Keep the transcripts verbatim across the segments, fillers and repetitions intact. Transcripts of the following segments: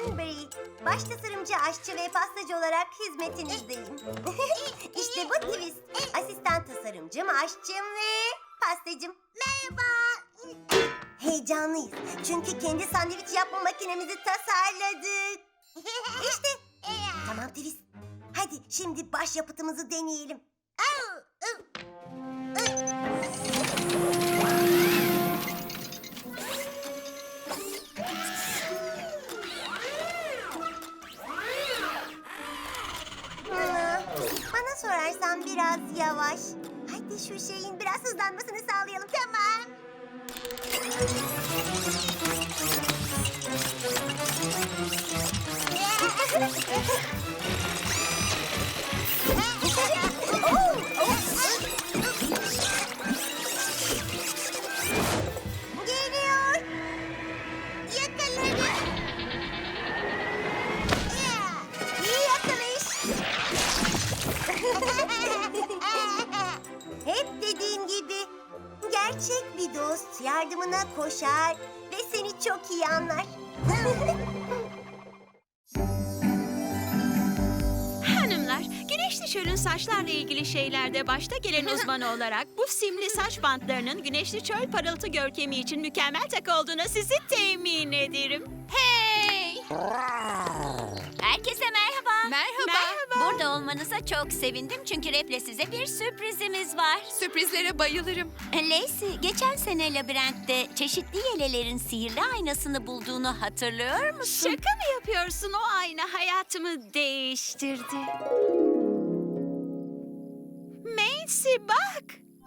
Cranberry. Baş tasarımcı, aşçı ve pastacı olarak hizmetinizdeyim. İşte bu Twist. Asistan tasarımcım, aşçım ve pastacım. Merhaba. Heyecanlıyız. Çünkü kendi sandviç yapma makinemizi tasarladık. İşte. Tamam Twist. Hadi şimdi başyapıtımızı deneyelim. Bana sorarsan biraz yavaş. Hadi şu şeyin biraz hızlanmasını sağlayalım. Tamam. Geliyor. Yakalarım. İyi yakalayış. Hep dediğim gibi gerçek bir dost yardımına koşar ve seni çok iyi anlar. Hanımlar, güneşli çölün saçlarla ilgili şeylerde başta gelen uzman olarak bu simli saç bantlarının güneşli çöl parıltı görkemi için mükemmel takı olduğuna sizi temin ederim. Hey! Herkese merhaba. Merhaba. Merhaba. Burada olmanıza çok sevindim çünkü Rep'le size bir sürprizimiz var. Sürprizlere bayılırım. Lacey, geçen sene labirentte çeşitli yelelerin sihirli aynasını bulduğunu hatırlıyor musun? Şaka mı yapıyorsun? O ayna hayatımı değiştirdi. Macy bak.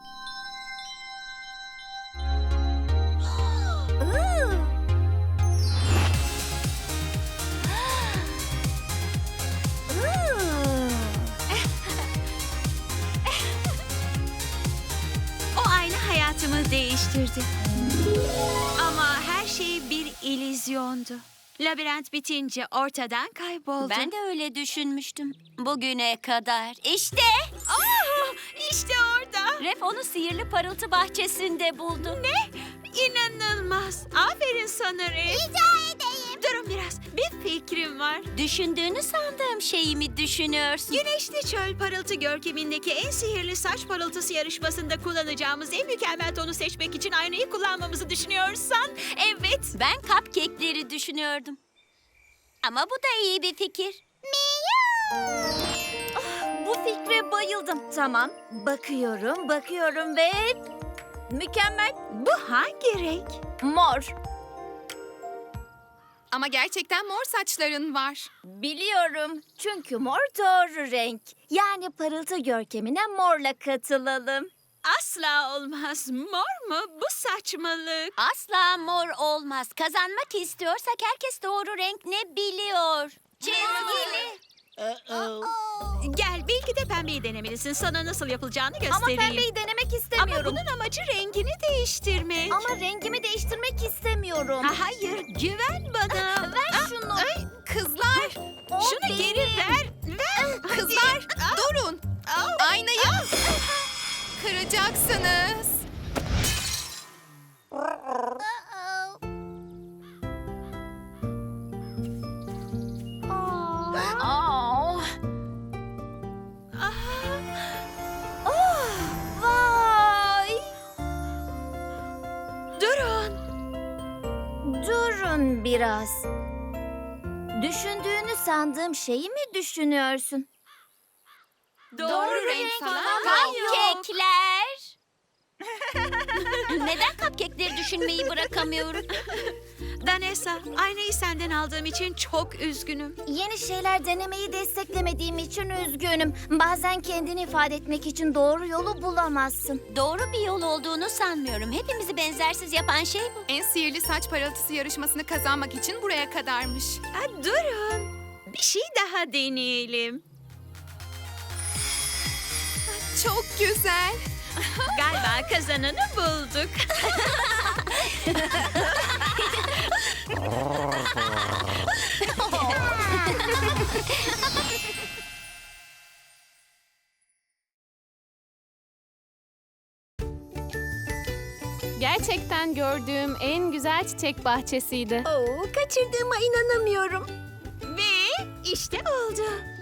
O ayna hayatımı değiştirdi. Ama her şey bir illüzyondu. Labirent bitince ortadan kayboldu. Ben de öyle düşünmüştüm. Bugüne kadar. İşte Aa, işte orada. Rep onu sihirli parıltı bahçesinde buldu. Ne? İnanılmaz. Aferin sana Ref. Rica edeyim. Durun biraz. Bir fikrim var. Düşündüğünü sandığım şeyi mi düşünüyorsun? Güneşli çöl parıltı görkemindeki en sihirli saç parıltısı yarışmasında kullanacağımız en mükemmel tonu seçmek için aynayı kullanmamızı düşünüyorsan evet. Ben cupcake'leri düşünüyordum. Ama bu da iyi bir fikir. Bu fikre bayıldım. Tamam, bakıyorum, bakıyorum ve... Mükemmel. Bu hangi renk? Mor. Ama gerçekten mor saçların var. Biliyorum. Çünkü mor doğru renk. Yani parıltı görkemine morla katılalım. Asla olmaz. Mor mu? Bu saçmalık. Asla mor olmaz. Kazanmak istiyorsak herkes doğru renk ne biliyor. Çizgili. Gel belki de pembeyi denemelisin. Sana nasıl yapılacağını Ama göstereyim. pembeyi denemek Ama istemiyorum. bunun amacı rengini değiştirmek. Ama rengimi değiştirmek istemiyorum. Ha, hayır, güven bana. Ver şunu. Kızlar, O Şunu benim. geri ver. Ver. kızlar durun. Au. Aynayı kıracaksınız. Aa. Ah. Oh, vay. Durun. Durun biraz. Düşündüğünü sandığım şeyi mi düşünüyorsun? Doğru renk falan Cupcake'ler. Neden cupcake'leri düşünmeyi bırakamıyorum? Danessa, aynayı senden aldığım için çok üzgünüm. Yeni şeyler denemeyi desteklemediğim için üzgünüm. Bazen kendini ifade etmek için doğru yolu bulamazsın. Doğru bir yol olduğunu sanmıyorum. Hepimizi benzersiz yapan şey bu. En sihirli saç parıltısı yarışmasını kazanmak için buraya kadarmış. Ha, durun. Bir şey daha deneyelim. Çok güzel. Galiba kazananı bulduk. Gerçekten gördüğüm en güzel çiçek bahçesiydi. Oo, kaçırdığıma inanamıyorum. İşte oldu.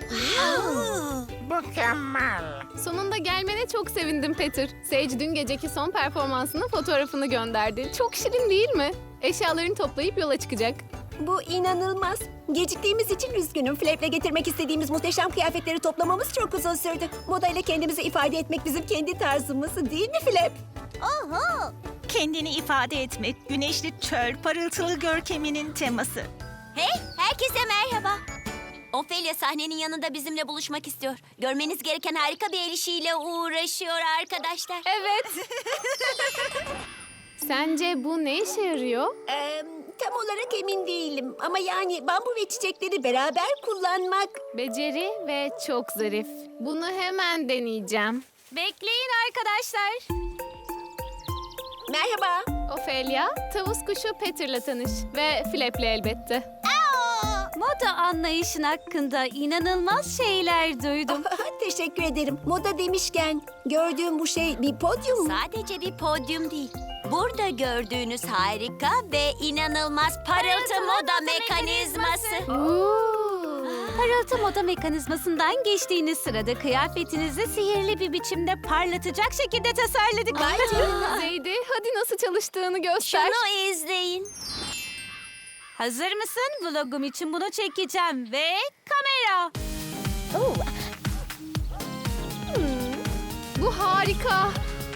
Sonunda gelmene çok sevindim Peter. Sage dün geceki son performansının fotoğrafını gönderdi. Çok şirin değil mi? Eşyalarını toplayıp yola çıkacak. Bu inanılmaz. Geciktiğimiz için üzgünüm. Flap'le getirmek istediğimiz muhteşem kıyafetleri toplamamız çok uzun sürdü. Modayla kendimizi ifade etmek bizim kendi tarzımız değil mi Flap? Oho. Kendini ifade etmek, güneşli çöl, parıltılı görkeminin teması. Hey, herkese merhaba. Ophelia sahnenin yanında bizimle buluşmak istiyor. Görmeniz gereken harika bir el işiyle uğraşıyor arkadaşlar. Evet. Sence bu ne işe yarıyor? Ee, tam olarak emin değilim. Ama yani bambu ve çiçekleri beraber kullanmak... Beceri ve çok zarif. Bunu hemen deneyeceğim. Bekleyin arkadaşlar. Merhaba. Ophelia, tavus kuşu Peter'la tanış. Ve Flap'le elbette. Moda anlayışın hakkında inanılmaz şeyler duydum. Teşekkür ederim. Moda demişken gördüğüm bu şey bir podyum mu? Sadece bir podyum değil. Burada gördüğünüz harika ve inanılmaz parıltı moda mekanizması. Parıltı moda mekanizmasından geçtiğiniz sırada kıyafetinizi sihirli bir biçimde parlatacak şekilde tasarladık. Zeydi, hadi nasıl çalıştığını göster. Şunu izleyin. Hazır mısın? Vlogum için bunu çekeceğim ve kamera. Bu harika.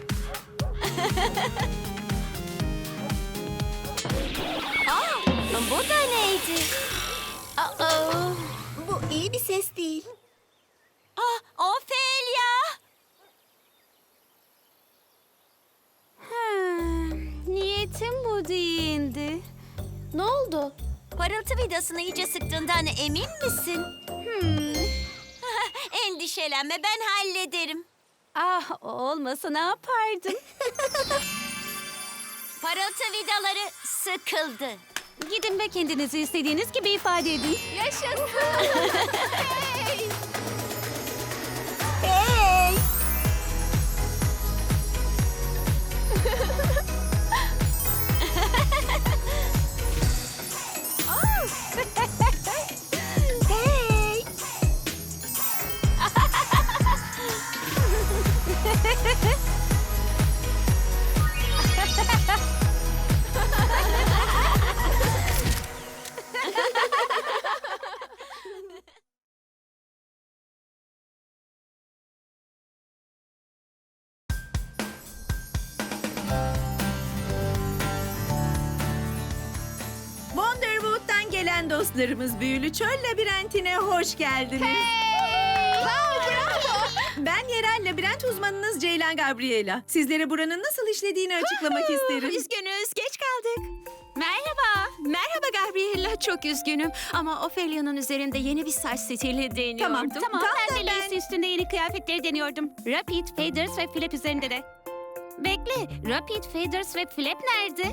Aa, bu da neydi? Aa, Bu iyi bir ses değil. ah, Ophelia. Hmm, niyetim bu değildi. Ne oldu? Parıltı vidasını iyice sıktığından emin misin? Hmm. Endişelenme, ben hallederim. Ah, olmasa ne yapardım? Parıltı vidaları sıkıldı. Gidin ve kendinizi istediğiniz gibi ifade edin. Yaşasın. Hey! Hey! Hey! Wonderwood'dan gelen dostlarımız Büyülü Çöl Labirentine hoş geldiniz. Ben yerel labirent uzmanınız Ceylan Gabriela. Sizlere buranın nasıl işlediğini açıklamak isterim. Üzgünüz, geç kaldık. Merhaba, merhaba Gabriella. Çok üzgünüm ama Ophelia'nın üzerinde yeni bir saç stili deniyordum. Tamam, Tamam, tam ben da de ben- lace üstünde yeni kıyafetleri deniyordum. Rapid, Faders ve Flap üzerinde de. Bekle, Rapid, Faders ve Flap nerede?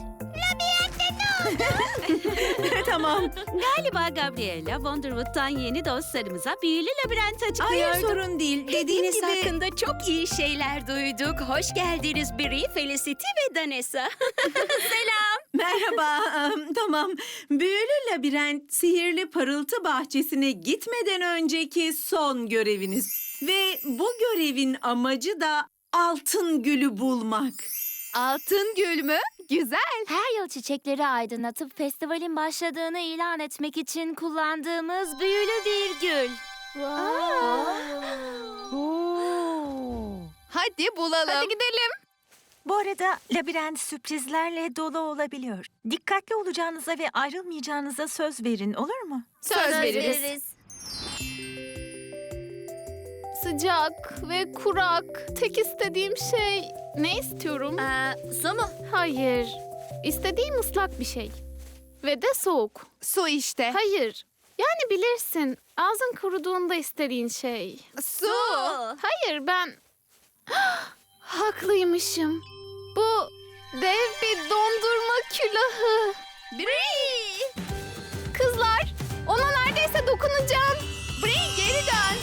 Tamam. Galiba Gabriella, Wonderwood'dan yeni dostlarımıza büyülü labirent açıklıyordu. Hayır sorun değil. Dediğiniz Dediğiniz gibi... hakkında çok iyi şeyler duyduk. Hoş geldiniz Bri, Felicity ve Danessa. Merhaba. em, Tamam. Büyülü labirent sihirli parıltı bahçesine gitmeden önceki son göreviniz. Ve bu görevin amacı da altın gülü bulmak. Altın gül mü? Güzel. Her yıl çiçekleri aydınlatıp festivalin başladığını ilan etmek için kullandığımız büyülü bir gül. Hadi bulalım. Hadi gidelim. Bu arada labirent sürprizlerle dolu olabiliyor. Dikkatli olacağınıza ve ayrılmayacağınıza söz verin, olur mu? Söz, veririz. Sıcak ve kurak. Tek istediğim şey... Ne istiyorum? Ee, su mu? Hayır. İstediğim ıslak bir şey. Ve de soğuk. Su işte. Hayır. Yani bilirsin. Ağzın kuruduğunda istediğin şey. Su. Hayır ben... Haklıymışım. Bu dev bir dondurma külahı. Bri! Kızlar, ona neredeyse dokunacağım. Bri geri dön.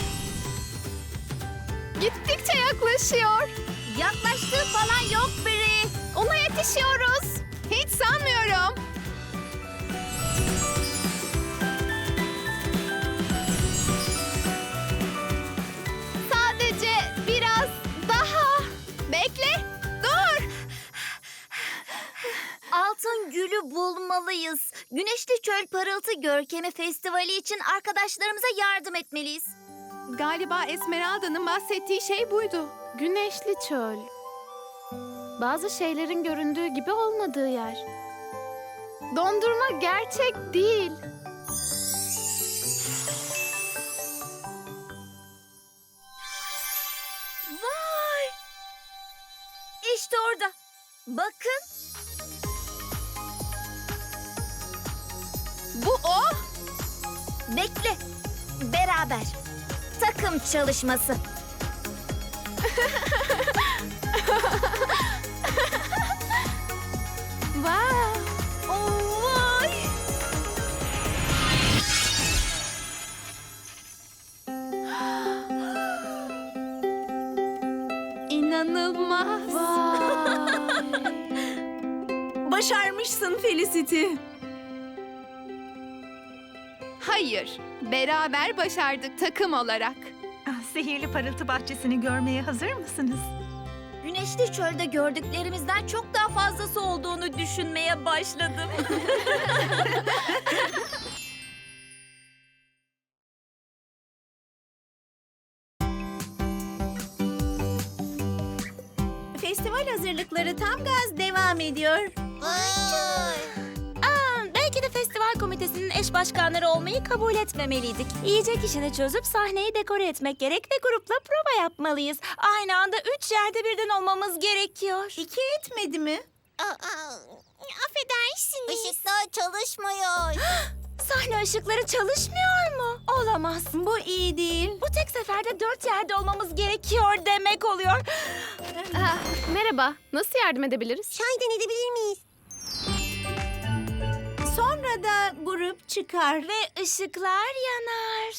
Gittikçe yaklaşıyor. Yaklaştığı falan yok biri. Ona yetişiyoruz. Hiç sanmıyorum. yapmalıyız. Güneşli Çöl Parıltı Görkemi Festivali için arkadaşlarımıza yardım etmeliyiz. Galiba Esmeralda'nın bahsettiği şey buydu. Güneşli çöl. Bazı şeylerin göründüğü gibi olmadığı yer. Dondurma gerçek değil. Vay! İşte orada. Bakın. Bu o. Bekle. Beraber. Takım çalışması. Vay. Oh, vay! İnanılmaz. Başarmışsın Felicity. Hayır. Beraber başardık takım olarak. Ah, Sihirli parıltı bahçesini görmeye hazır mısınız? Güneşli çölde gördüklerimizden çok daha fazlası olduğunu düşünmeye başladım. Festival hazırlıkları tam gaz devam ediyor. Belki de festival komitesinin eş başkanları olmayı kabul etmemeliydik. Yiyecek işini çözüp sahneyi dekore etmek gerek ve grupla prova yapmalıyız. Aynı anda üç yerde birden olmamız gerekiyor. İki etmedi mi? Affedersiniz. Işıklar çalışmıyor. Sahne ışıkları çalışmıyor mu? Olamaz. Bu iyi değil. Bu tek seferde dört yerde olmamız gerekiyor demek oluyor. Ah, merhaba. Nasıl yardım edebiliriz? Çaydan edebilir miyiz? Sonra da grup çıkar. Ve ışıklar yanar.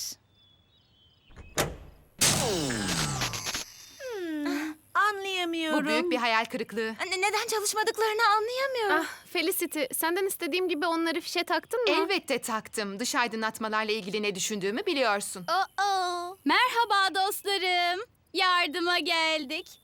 Anlayamıyorum. Bu büyük bir hayal kırıklığı. Ne- Neden çalışmadıklarını anlayamıyorum. Ah, Felicity, senden istediğim gibi onları fişe taktın mı? Elbette taktım. Dış aydınlatmalarla ilgili ne düşündüğümü biliyorsun. Oh. Merhaba dostlarım. Yardıma geldik.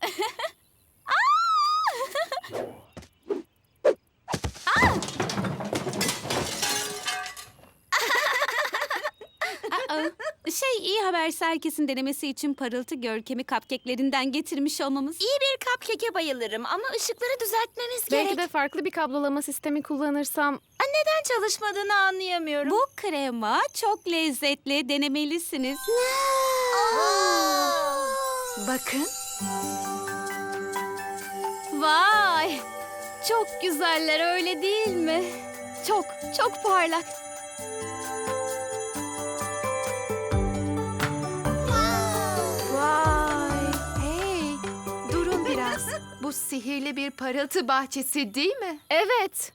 Şey, iyi haberse herkesin denemesi için parıltı görkemi cupcake'lerinden getirmiş olmamız. İyi bir cupcake'e bayılırım ama ışıkları düzeltmemiz gerek. Belki de farklı bir kablolama sistemi kullanırsam... Neden çalışmadığını anlayamıyorum. Bu krema çok lezzetli, denemelisiniz. Bakın. Vay! Çok güzeller, öyle değil mi? Çok, çok parlak. Vay. Hey, durun biraz. Bu sihirli bir parıltı bahçesi değil mi? Evet.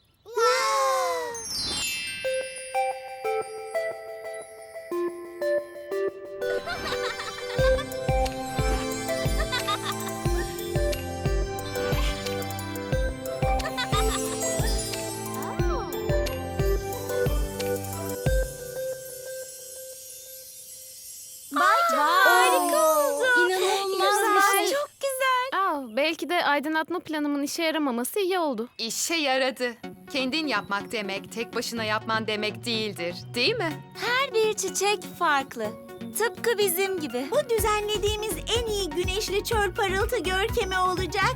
Harika oldu. İnanılmaz bir şey. Çok güzel. Aa, belki de aydınlatma planımın işe yaramaması iyi oldu. İşe yaradı. Kendin yapmak demek, tek başına yapman demek değildir, değil mi? Her bir çiçek farklı. Tıpkı bizim gibi. Bu düzenlediğimiz en iyi güneşli çöl parıltı görkemi olacak.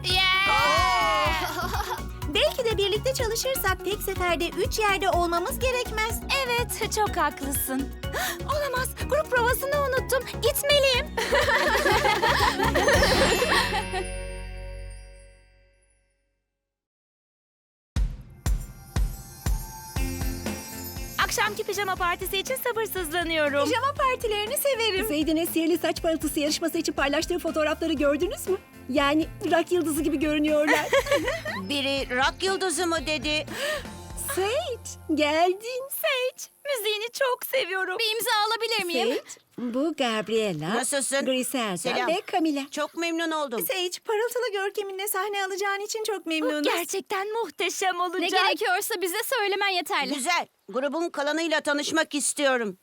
Belki de birlikte çalışırsak tek seferde üç yerde olmamız gerekmez. Evet, çok haklısın. Olamaz, grup provasını unuttum. Gitmeliyim. Akşamki pijama partisi için sabırsızlanıyorum. Pijama partilerini severim. Zeydin'in sihirli saç parıltısı yarışması için paylaştığı fotoğrafları gördünüz mü? Yani rock yıldızı gibi görünüyorlar. Biri rock yıldızı mı dedi? Sage, geldin. Sage, müziğini çok seviyorum. Bir imza alabilir miyim? Sage, bu Gabriela, Nasılsın? Griselda Selam. ve Camila. Çok memnun oldum. Sage, parıltılı görkeminle sahne alacağın için çok memnunuz. Gerçekten muhteşem olacak. Ne gerekiyorsa bize söylemen yeterli. Güzel. Grubun kalanıyla tanışmak istiyorum.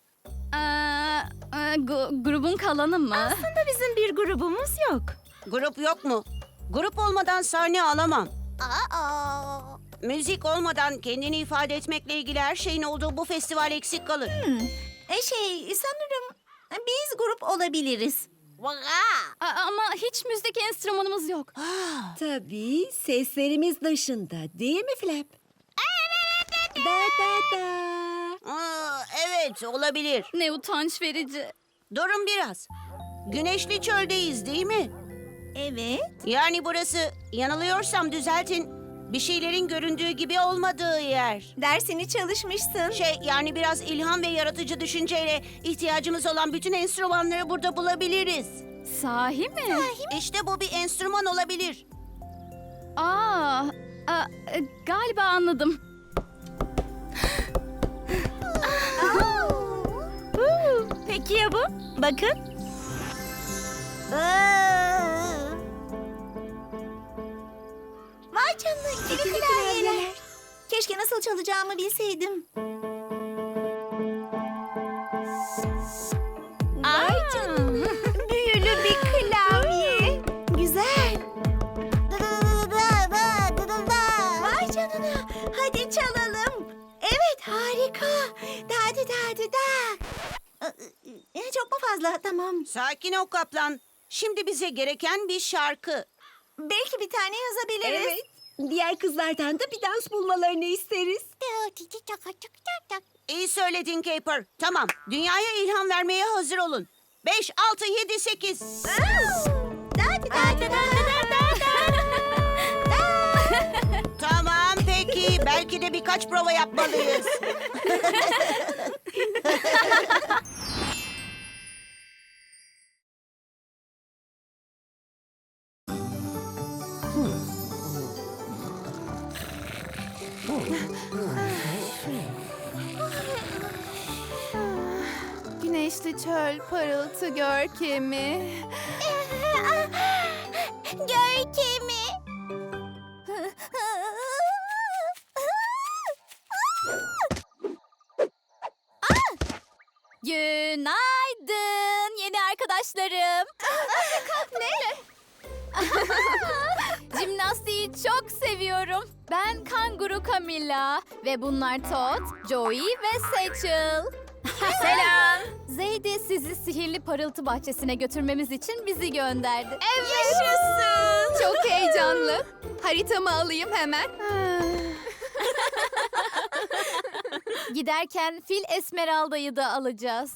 grubun kalanı mı? Aslında bizim bir grubumuz yok. Grup yok mu? Grup olmadan sahne alamam. Müzik olmadan kendini ifade etmekle ilgili her şeyin olduğu bu festival eksik kalır. E şey sanırım biz grup olabiliriz. Ama hiç müzik enstrümanımız yok. Tabii seslerimiz dışında değil mi Flap? Da da da. Aa, evet, olabilir. Ne utanç verici. Durun biraz. Güneşli çöldeyiz değil mi? Evet. Yani burası, yanılıyorsam düzeltin, bir şeylerin göründüğü gibi olmadığı yer. Dersini çalışmışsın. Şey, yani biraz ilham ve yaratıcı düşünceyle ihtiyacımız olan bütün enstrümanları burada bulabiliriz. Sahi mi? İşte bu bir enstrüman olabilir. Aa, a, e, galiba anladım. Peki ya bu? Bakın. Vay canına ikili klavyeler. Keşke nasıl çalacağımı bilseydim. Vay canına. Büyülü bir klavye. Güzel. Vay canına. Hadi çalalım. Evet harika. Da da da da da. Ee, Çok mu fazla? Tamam. Sakin ol kaplan. Şimdi bize gereken bir şarkı. Belki bir tane yazabiliriz. Evet. Diğer kızlardan da bir dans bulmalarını isteriz. İyi söyledin Caper. Tamam, dünyaya ilham vermeye hazır olun. Beş, altı, yedi, sekiz. Tamam, peki. Belki de birkaç prova yapmalıyız. Güneşli çöl, parıltı görkemi. Görkemi. Günaydın yeni arkadaşlarım. Ne? Jimnastiği çok seviyorum. Ben kanguru Camilla ve bunlar Todd, Joey ve Satchel. Selam. Zeydi sizi sihirli parıltı bahçesine götürmemiz için bizi gönderdi. Yaşasın. Çok heyecanlı. Haritamı alayım hemen. Giderken fil Esmeralda'yı da alacağız.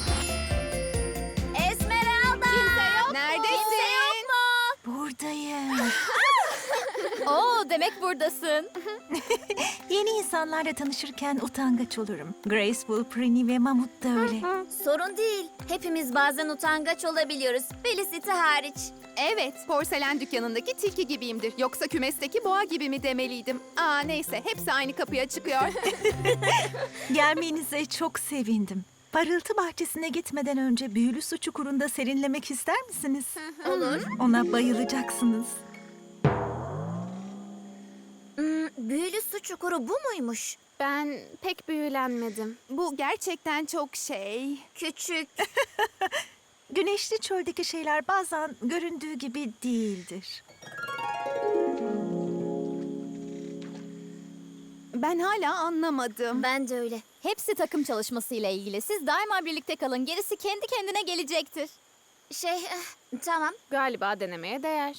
Esmeralda! Kimse yok Neredesin? Kimse yok mu? Buradayım. Oo, demek buradasın. Yeni insanlarla tanışırken utangaç olurum. Graceful, Prini ve Mamut da öyle. Sorun değil. Hepimiz bazen utangaç olabiliyoruz. Felicity hariç. Evet, porselen dükkanındaki tilki gibiyimdir. Yoksa kümesteki boğa gibi mi demeliydim? Aa neyse, hepsi aynı kapıya çıkıyor. Gelmenize çok sevindim. Parıltı bahçesine gitmeden önce büyülü su çukurunda serinlemek ister misiniz? Olur. Ona bayılacaksınız. Hmm, büyülü su çukuru bu muymuş? Ben pek büyülenmedim. Bu gerçekten çok şey. Küçük. Güneşli çöldeki şeyler bazen göründüğü gibi değildir. Ben hala anlamadım. Ben de öyle. Hepsi takım çalışmasıyla ilgili. Siz daima birlikte kalın. Gerisi kendi kendine gelecektir. Şey, eh, tamam. Galiba denemeye değer.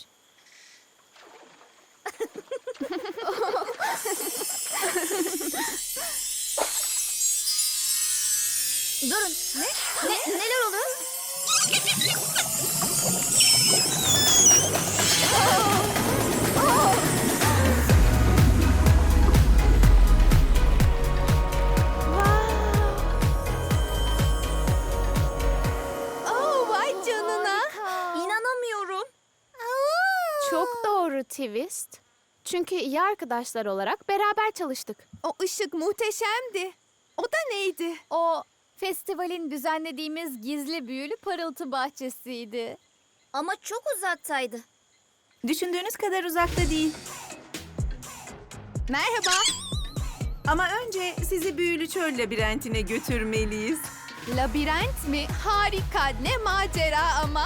Durun. Ne? ne? Neler oluyor? Oh vay canına. İnanamıyorum. Çok doğru twist. Çünkü iyi arkadaşlar olarak beraber çalıştık. O ışık muhteşemdi. O da neydi? O festivalin düzenlediğimiz gizli büyülü parıltı bahçesiydi. Ama çok uzaktaydı. Düşündüğünüz kadar uzakta değil. Merhaba. Ama önce sizi büyülü çöl labirentine götürmeliyiz. Labirent mi? Harika. Ne macera ama.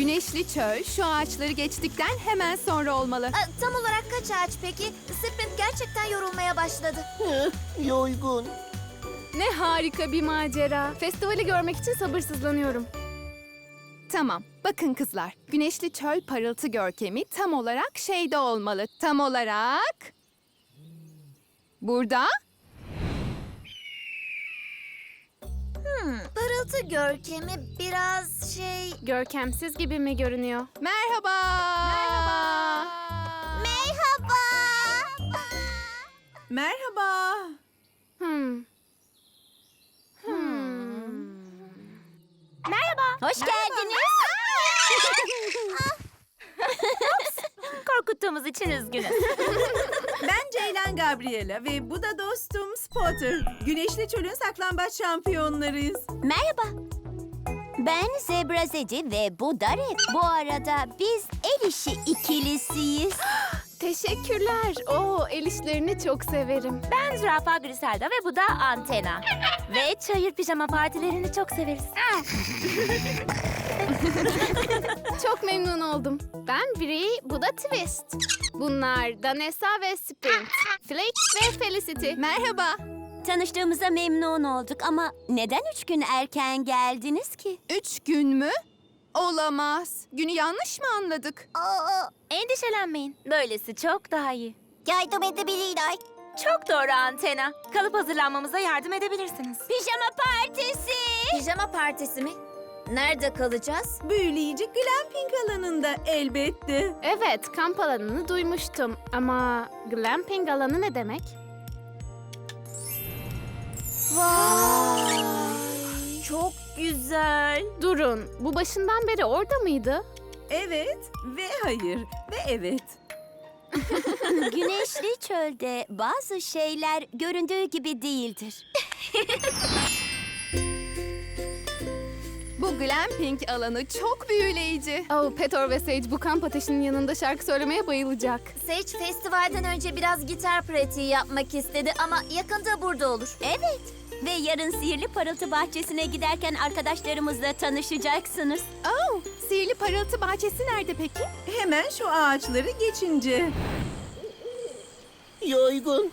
Güneşli çöl şu ağaçları geçtikten hemen sonra olmalı. Aa, tam olarak kaç ağaç peki? Sprint gerçekten yorulmaya başladı. Yorgun. Ne harika bir macera. Festivali görmek için sabırsızlanıyorum. Tamam. Bakın kızlar. Güneşli çöl parıltı görkemi tam olarak şeyde olmalı. Tam olarak... Burada. Parıltı görkemi biraz şey... Görkemsiz gibi mi görünüyor? Merhaba. Merhaba. Merhaba. Merhaba. Hmm. Hoş geldiniz. Korkuttuğumuz için üzgünüz. Ben Ceylan Gabriela ve bu da dostum Spotter. Güneşli Çöl'ün saklambaç şampiyonlarıyız. Merhaba. Ben Zebra Zedi ve bu da Red. Bu arada biz el işi ikilisiyiz. Teşekkürler. Oo, el işlerini çok severim. Ben Zürafa Griselda ve bu da Antena. Ve çayır pijama partilerini çok severiz. Çok memnun oldum. Ben Bri, bu da Twist. Bunlar Danessa ve Sprint. Flake ve Felicity. Merhaba. Tanıştığımıza memnun olduk ama neden üç gün erken geldiniz ki? Üç gün mü? Olamaz. Günü yanlış mı anladık? Endişelenmeyin. Böylesi çok daha iyi. Yardım edebilirler. Çok doğru Antena. Kalıp hazırlanmamıza yardım edebilirsiniz. Pijama partisi. Pijama partisi mi? Nerede kalacağız? Büyüleyici glamping alanında elbette. Evet, kamp alanını duymuştum. Ama glamping alanı ne demek? Vay. Çok güzel. Durun, bu başından beri orada mıydı? Evet ve hayır ve evet. Güneşli çölde bazı şeyler göründüğü gibi değildir. Bu glamping alanı çok büyüleyici. Oh, Petor ve Sage bu kamp ateşinin yanında şarkı söylemeye bayılacak. Sage festivalden önce biraz gitar pratiği yapmak istedi ama yakında burada olur. Evet. Ve yarın Sihirli Parıltı Bahçesi'ne giderken arkadaşlarımızla tanışacaksınız. Oh, sihirli parıltı bahçesi nerede peki? Hemen şu ağaçları geçince. Yorgun.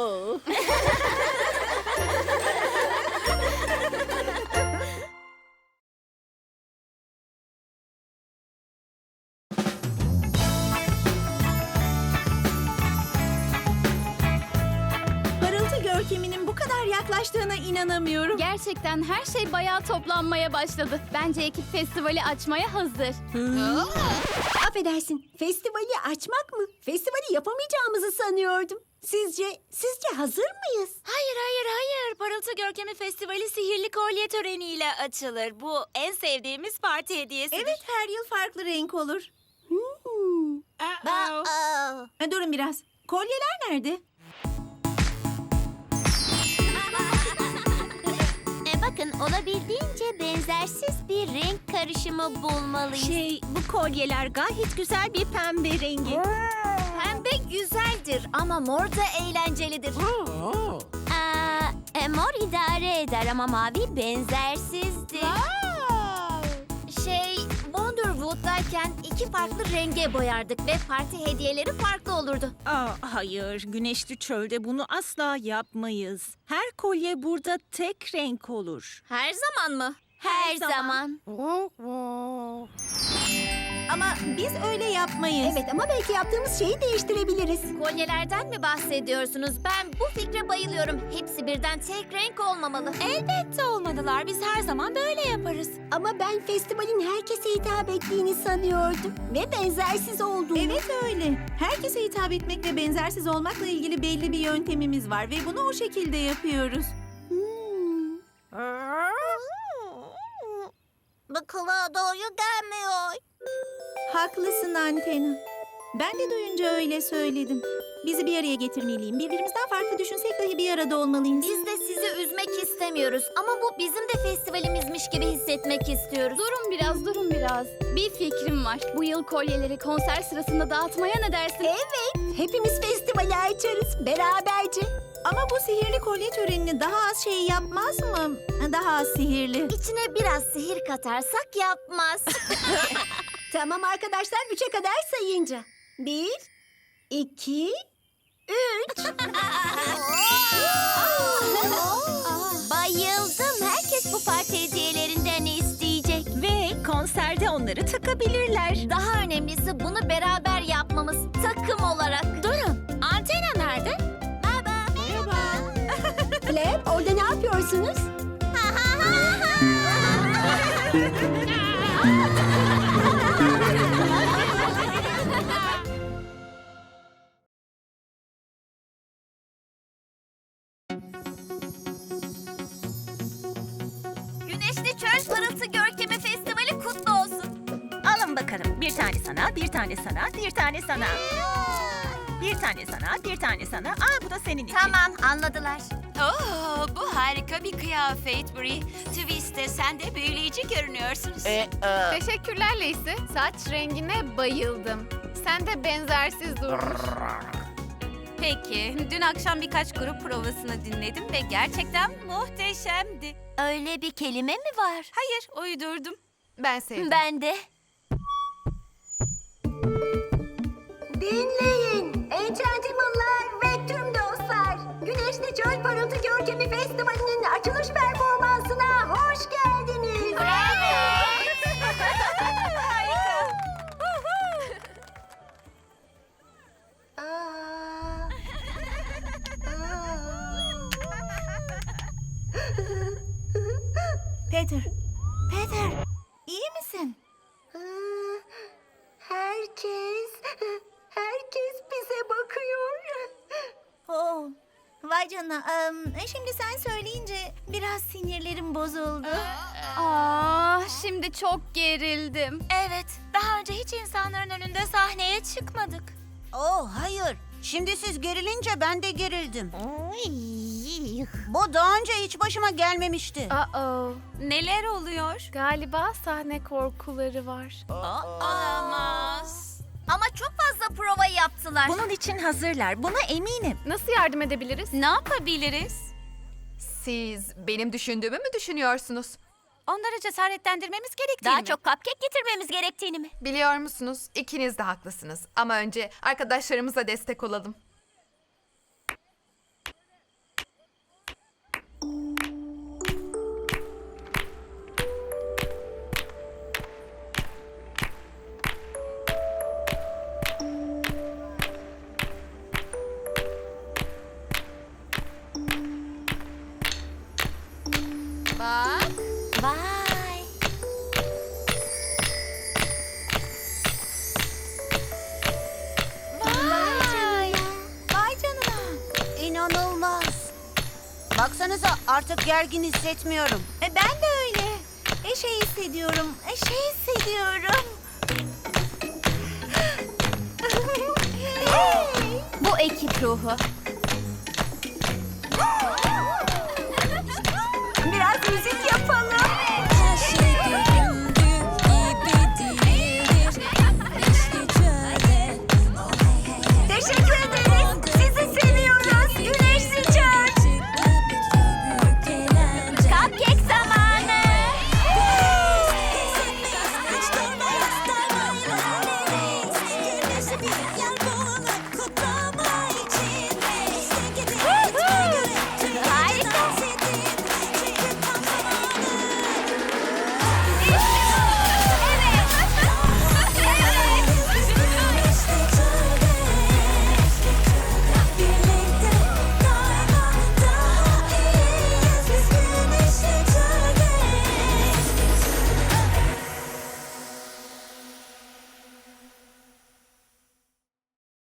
Parıltı görkeminin bu kadar yaklaştığına inanamıyorum. Gerçekten her şey bayağı toplanmaya başladı. Bence ekip festivali açmaya hazır. Affedersin, festivali açmak mı? Festivali yapamayacağımızı sanıyordum. Sizce, sizce hazır mıyız? Hayır, hayır, hayır. Parıltı Görkemi Festivali sihirli kolye töreniyle açılır. Bu en sevdiğimiz parti hediyesidir. Evet, her yıl farklı renk olur. Hmm. Aa, Ha, durun biraz. Kolyeler nerede? E bakın, olabildiğince benzersiz bir renk karışımı bulmalıyız. Şey, bu kolyeler gayet güzel bir pembe rengi. pembe güzeldir ama mor da eğlencelidir. Aa, e, mor idare eder ama mavi benzersizdir. Şey, Wonderwood'dayken iki farklı renge boyardık ve parti hediyeleri farklı olurdu. Aa, hayır, güneşli çölde bunu asla yapmayız. Her kolye burada tek renk olur. Her zaman mı? Her zaman. Ama biz öyle yapmayız. Evet ama belki yaptığımız şeyi değiştirebiliriz. Kolyelerden mi bahsediyorsunuz? Ben bu fikre bayılıyorum. Hepsi birden tek renk olmamalı. Elbette olmadılar. Biz her zaman böyle yaparız. Ama ben festivalin herkese hitap ettiğini sanıyordum. Ve benzersiz olduğunu. Evet öyle. Herkese hitap etmek ve benzersiz olmakla ilgili belli bir yöntemimiz var ve bunu o şekilde yapıyoruz. Hmm. Bu kulağa doğru gelmiyor. Haklısın Antena. Ben de duyunca öyle söyledim. Bizi bir araya getirmeliyim. Birbirimizden farklı düşünsek dahi bir arada olmalıyız. Biz de sizi üzmek istemiyoruz ama bu bizim de festivalimizmiş gibi hissetmek istiyoruz. Durun biraz, durun biraz. Bir fikrim var. Bu yıl kolyeleri konser sırasında dağıtmaya ne dersin? Evet, hepimiz festivali açarız beraberce. Ama bu sihirli kolye törenini daha az şey yapmaz mı? Daha az sihirli. İçine biraz sihir katarsak yapmaz. Tamam arkadaşlar, üçe kadar sayınca. Bir, iki, üç. Bayıldım. Herkes bu parti hediyelerinden isteyecek. Ve konserde onları takabilirler. Daha önemlisi bunu beraber yapmamız takım olarak. Durun. Antena nerede? Merhaba. Merhaba. Flap, orada ne yapıyorsunuz? Güneşli Çöl Parıltı Görkemi Festivali kutlu olsun. Alın bakalım. Bir tane sana, bir tane sana, bir tane sana. Bir tane sana, bir tane sana. Aa bu da senin için. Tamam, anladılar. Oo, bu harika bir kıyafet Brie. Twist'te sen de büyüleyici görünüyorsunuz. E, e, Teşekkürler Lacey. Saç rengine bayıldım. Sen de benzersiz durmuş. Peki. Dün akşam birkaç grup provasını dinledim ve gerçekten muhteşemdi. Öyle bir kelime mi var? Hayır, uydurdum. Ben sevdim. Ben de. Dinleyin Enchantimal'lar ve tüm dostlar. Güneşli Çöl Parıltı Görkemi Festivali'nin açılış performansına hoş geldiniz. Aa. Peter. Peter. İyi misin? Aa, Herkes, herkes bize bakıyor. Oo. Vay canına. Em, şimdi sen söyleyince biraz sinirlerim bozuldu. Aa, şimdi çok gerildim. Evet, daha önce hiç insanların önünde sahneye çıkmadık. oh hayır. Şimdi siz gerilince ben de gerildim. Bu daha önce hiç başıma gelmemişti. Uh-oh. Neler oluyor? Galiba sahne korkuları var. Olamaz. Ama çok fazla prova yaptılar. Bunun için hazırlar. Buna eminim. Nasıl yardım edebiliriz? Ne yapabiliriz? Siz benim düşündüğümü mü düşünüyorsunuz? Onları cesaretlendirmemiz gerektiğini Daha mi? çok cupcake getirmemiz gerektiğini mi? Biliyor musunuz? İkiniz de haklısınız. Ama önce arkadaşlarımıza destek olalım. Bak. Vay. Vay. Vay canına. İnanılmaz. Baksanıza artık gergin hissetmiyorum. E, ben de öyle. E, şey hissediyorum. E, şey hissediyorum. Bu ekip ruhu.